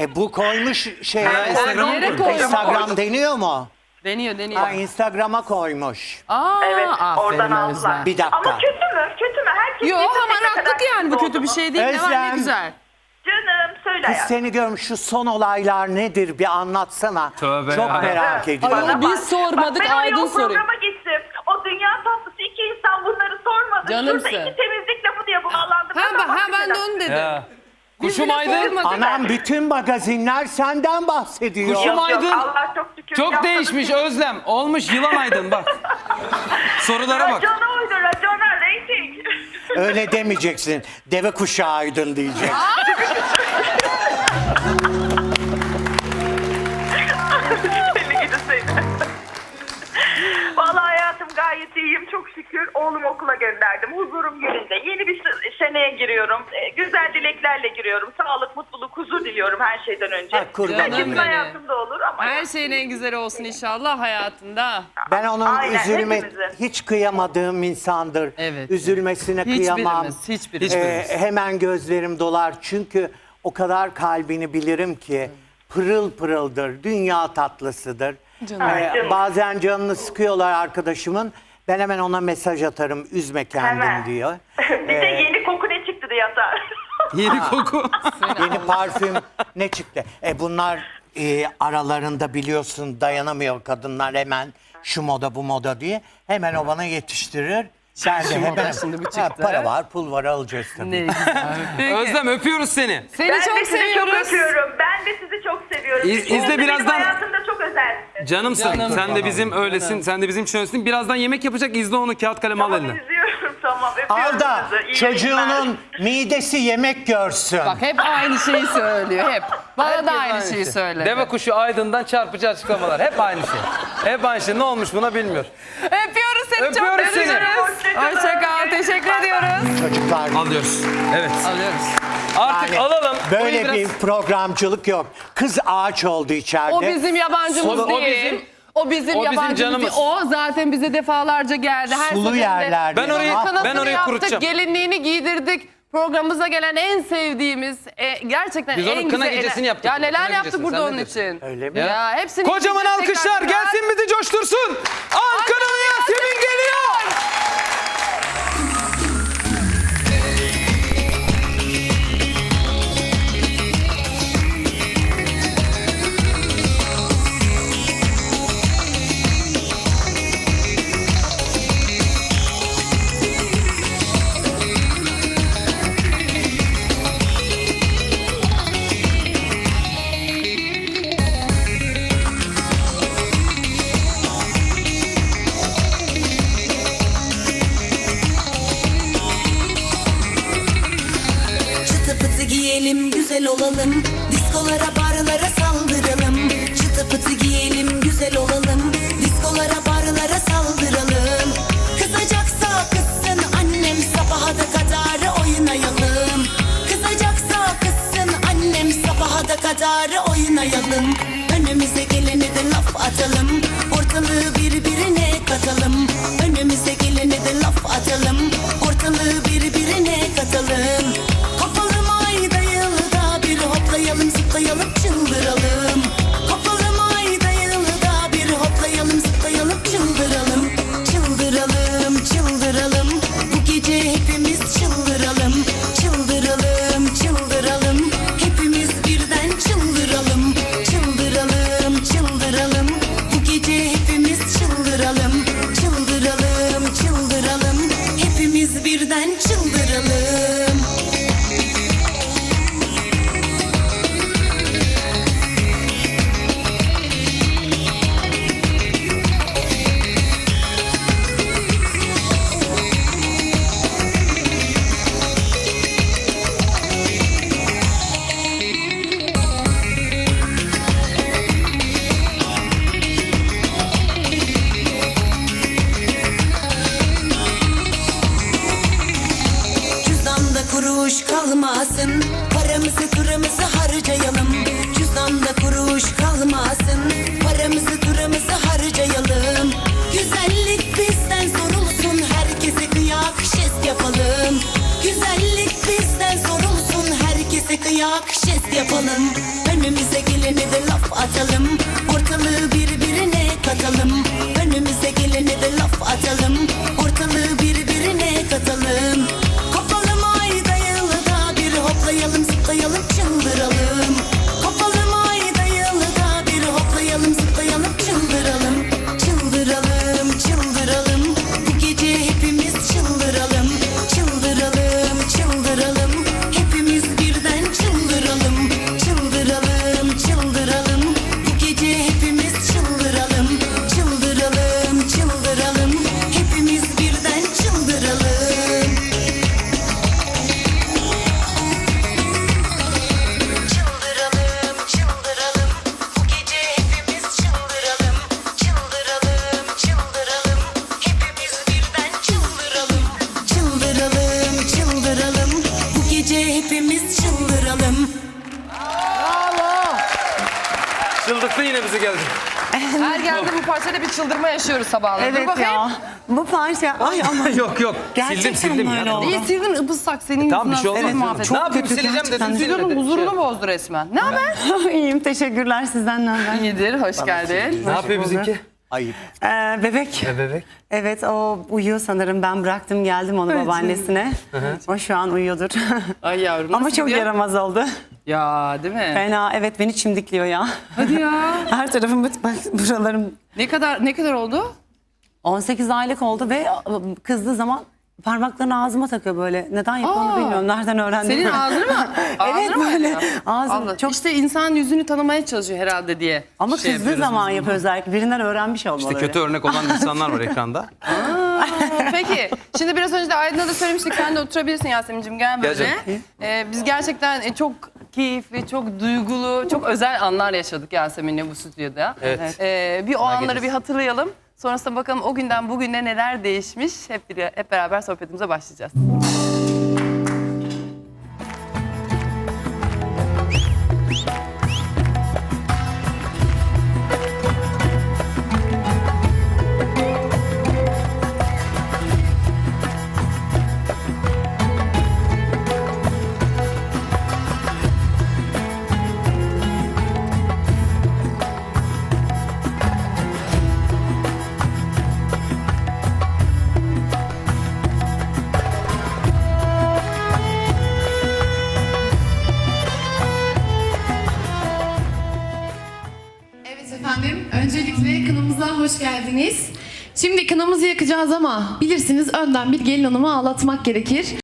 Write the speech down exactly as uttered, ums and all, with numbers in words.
E bu koymuş şey, Ha, Instagram Yere mı? koy. Instagram deniyor mu? Deniyor deniyor. Ha, Instagram'a koymuş. Aa, Evet, aferin oradan aldılar. Özlem. Bir dakika. Ama kötü mü? Kötü mü? Herkes Yo birbirine hemen ne kadar attık yani bu kötü kötü bir oldu şey değil. Ne var ne Özlem. güzel. Canım söyle Kız ya. seni görmüş, şu son olaylar nedir bir anlatsana. Tövbe Çok ya. merak ediyorum. Ayol, Bana biz bak. sormadık, Bak, ben oraya Aydın o soruyor. programa gittim. O dünya tatlısı iki insan bunları sormadı. Canımsın. Şurada iki temizlik lafı diye bağlandık. Ha, ben, ha ben de onu dedim. Ya. Biz Kuşum bile Aydın. sormadık. Anam bütün magazinler senden bahsediyor. Kuşum Yok, yok, Aydın. Allah çok şükür. Çok yapmadı. değişmiş Özlem. Olmuş yılan Aydın bak. Sorulara bak. Racona uydu, racona, reyting. Öyle demeyeceksin. Deve kuşağı Aydın diyeceksin. Seni gidi seni. Vallahi hayatım gayet iyiyim çok şükür. Oğlum okula gönderdim. Huzurum yerinde. Yeni bir se- seneye giriyorum. Ee, güzel dileklerle giriyorum. Sağlık, mutluluk, huzur diliyorum her şeyden önce. Ha, kurban Canım Herkesin benim. hayatında olur ama. Her şeyin en güzeli olsun inşallah hayatında. Ben onun Aynen, üzülme hepimizi. hiç kıyamadığım insandır. Evet. Üzülmesine kıyamam. Hiçbirimiz, hiçbirimiz. Ee, hemen gözlerim dolar çünkü o kadar kalbini bilirim ki pırıl pırıldır, dünya tatlısıdır. Canım. Ee, Ay, canım. bazen canını sıkıyorlar arkadaşımın. Ben hemen ona mesaj atarım, üzme kendini Hemen. diyor. bir de yeni koku ne çıktı diye atar. Yeni koku. Yeni parfüm ne çıktı? E bunlar e, aralarında biliyorsun dayanamıyor kadınlar hemen şu moda bu moda diye. Hemen o bana yetiştirir. Sen de Şu moda hemen şimdi bu Ha, çıktı. para var pul var alacağız tabii. Ne güzel. Peki. Özlem öpüyoruz seni. Seni Ben çok de sizi seviyoruz. çok öpüyorum. Ben de sizi çok seviyorum. İz- İkiniz izle de benim birazdan- hayatımda çok özelsiniz. Canımsın. Canım. Sen de bizim öylesin. Canım. Sen de bizim için öylesin. Birazdan yemek yapacak. İzle onu kağıt kalem al Tamam eline. izliyorum tamam. Öpüyorum Al da sizi. İyi çocuğunun yayınlar. midesi yemek görsün. Bak hep aynı şeyi söylüyor hep. Bana da aynı Aynı şeyi şey. söyledi. Deve kuşu Aydın'dan çarpıcı açıklamalar. Hep aynı şey. Hep aynı şey. Ne olmuş buna bilmiyor. Öpüyoruz seni Öpüyoruz çok seni. seviyoruz. Hoşçakalın. Hoşça kal. Teşekkür ediyoruz. Çocuklar Alıyoruz. Evet. Alıyoruz. Artık yani alalım. böyle Burayı biraz- bir programcılık yok. Kız ağaç oldu içeride. O bizim yabancımız O- o değil. bizim- o bizim o bizim yabancımız canımız. değil. O zaten bize defalarca geldi. Her Sulu seferinde yerlerde. Ben orayı- ama- kanatını ben orayı yaptık, kurutacağım. gelinliğini giydirdik. Programımıza gelen en sevdiğimiz, e, gerçekten Biz en onun kına güzel... gecesini yaptık. Ya neler Kına yaptık gecesini, burada sen onun ne diyorsun? için. Öyle mi? Ya hepsini... Kocaman tekrar alkışlar tekrar- gelsin bizi coştursun. Ankara'ya Yasemin geliyor. Çıtı pıtı giyelim güzel olalım, diskolara barlara saldıralım. Çıtı pıtı giyelim güzel olalım, diskolara barlara saldıralım. Kızacaksa kızsın annem, sabaha da kadar oynayalım. Kızacaksa kızsın annem, sabaha da kadar oynayalım. Önümüze gelene de laf atalım, ortalığı birbirine katalım. Önümüze gelene de laf atalım, ortalığı birbirine katalım. Kapalı mayda yılda bir hoplayalım, zıplayalım, çıldıralım. Kapalı mayda yılda bir hoplayalım, zıplayalım, çıldıralım. Çıldıralım, çıldıralım, bu gece hepimiz çıldıralım. Çıldıralım, çıldıralım, hepimiz birden çıldıralım. Çıldıralım, çıldıralım, bu gece hepimiz çıldıralım. Çıldıralım, çıldıralım, hepimiz birden çıldıralım. Cüzdanda kuruş kalmasın, paramızı turamızı harcayalım. Cüzdanda kuruş kalmasın, paramızı turamızı harcayalım. Güzellik bizden sorulsun, herkese kıyak jest yapalım. Güzellik bizden sorulsun, herkese kıyak jest yapalım. Önümüze Çıldırttın yine bizi geldin. Her geldi bu parçada bir çıldırma yaşıyoruz sabahları. Dur Evet bakayım. ya. Bu parça ay ama yok yok. gerçekten sildim sildim böyle ya. oldu. İyi sildin ıpıssak senin Tamam bir şey yüzünden olmaz. seni Ne mahvettim. yapayım kötü sileceğim gerçekten. dedim. Stüdyonun silmedim. huzurunu bozdu resmen. Ne haber? İyiyim, teşekkürler, sizden ne haber? İyidir, hoş geldin. Ne yapıyor bizimki? Ayıp. Ee, bebek. E bebek. Evet, o uyuyor sanırım. Ben bıraktım, geldim onu babaannesine. O şu an uyuyordur. Ay yavrum. Ama nasıl çok gidiyor? yaramaz oldu. Ya değil mi? Fena, evet, beni çimdikliyor ya. Hadi ya. Her tarafım, bak buralarım. Ne kadar ne kadar oldu? on sekiz aylık oldu ve kızdığı zaman parmaklarını ağzıma takıyor böyle. Neden yapıyor onu Aa. bilmiyorum. Nereden öğrendim? Senin ağzını mı? Ağzını Evet, mı böyle. yapıyor? Ağzım Allah. çok- İşte insan yüzünü tanımaya çalışıyor herhalde diye. Ama şey kızdığı yapıyoruz zaman biz. yapıyor özellikle. Birinden öğrenmiş olmalı. İşte kötü örnek olan insanlar var ekranda. Aa, Peki. Şimdi biraz önce de Aydın'a da söylemiştik. Sen de oturabilirsin Yasemin'cim. Gel böyle. Geleceğim. Ee, biz gerçekten e, çok keyifli, çok duygulu, çok özel anlar yaşadık Yasemin'le bu stüdyoda. Evet. Ee, bir o anları geliriz. bir hatırlayalım. Sonrasında bakalım o günden bugüne neler değişmiş. Hep, bir, hep beraber sohbetimize başlayacağız. Evet efendim, öncelikle kınamıza hoş geldiniz. Şimdi kınamızı yakacağız ama bilirsiniz önden bir gelin hanımı ağlatmak gerekir.